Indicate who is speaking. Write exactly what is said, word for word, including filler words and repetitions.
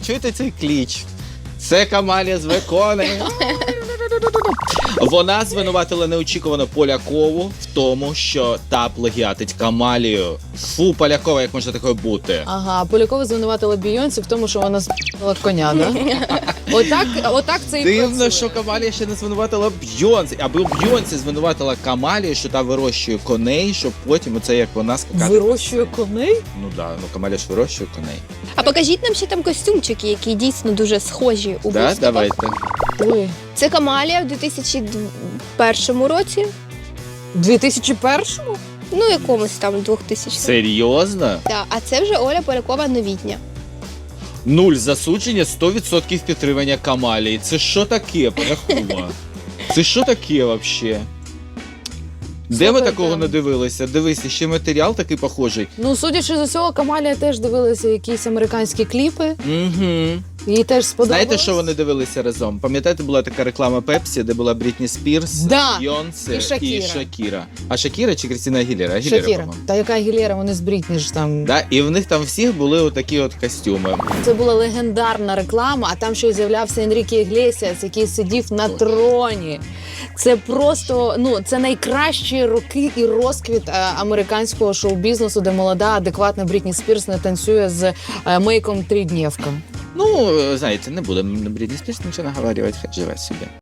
Speaker 1: чуєте цей кліч? Це Камалія з виконує. Вона звинуватила неочікувано Полякову в тому, що та плагіатить Камалію. Фу, Полякова, як може такою бути?
Speaker 2: Ага, Полякова звинуватила Бійонсі в тому, що вона з***ла коня, да? Отак, отак це і
Speaker 1: Дивно,
Speaker 2: працює.
Speaker 1: що Камалія ще не звинуватила Бйонсі. Аби Бйонсі звинуватила Камалію, що та вирощує коней, щоб потім оце як вона скакати.
Speaker 2: Вирощує коней?
Speaker 1: Ну да, ну Камалія ж вирощує коней.
Speaker 3: А покажіть нам ще там костюмчики, які дійсно дуже схожі у
Speaker 1: Да,
Speaker 3: виступах.
Speaker 1: давайте.
Speaker 2: Ой,
Speaker 3: Це Камалія в дві тисячі першому році,
Speaker 2: дві тисячі першому?
Speaker 3: ну якомусь там двохтисячному.
Speaker 1: Серйозно?
Speaker 3: Так, а це вже Оля Полякова новітня.
Speaker 1: Нуль засудження, сто відсотків підтримання Камалії. Це що таке, Полякова? Це що таке вообще? Де ми
Speaker 2: Слухайте.
Speaker 1: такого не дивилися? Дивись, ще матеріал такий похожий.
Speaker 2: Ну, судячи з усього, Камалія теж дивилася якісь американські кліпи.
Speaker 1: Угу.
Speaker 2: Їй теж сподобалось.
Speaker 1: Знаєте, що вони дивилися разом? Пам'ятаєте, була така реклама Пепсі, де була Брітні Спірс,
Speaker 2: Да.
Speaker 1: Бейонсе
Speaker 2: І Шакіра.
Speaker 1: і Шакіра. А Шакіра чи Крістіна Агілєра? Агілєра,
Speaker 2: Шакіра.
Speaker 1: по-моєму.
Speaker 2: Та яка Агілєра, вони з Брітні ж там.
Speaker 1: Да? І в них там всіх були отакі от костюми.
Speaker 2: Це була легендарна реклама, а там ще й з'являвся Енріке Іглесіас, який сидів на троні. Це просто, ну, це найкращі роки і розквіт е, американського шоу-бізнесу, де молода, адекватна Брітні Спірс не танцює з е, мейком триднівка.
Speaker 1: Ну, знаєте, не будемо Брітні Спірс нічого наговорювати, хай живе собі.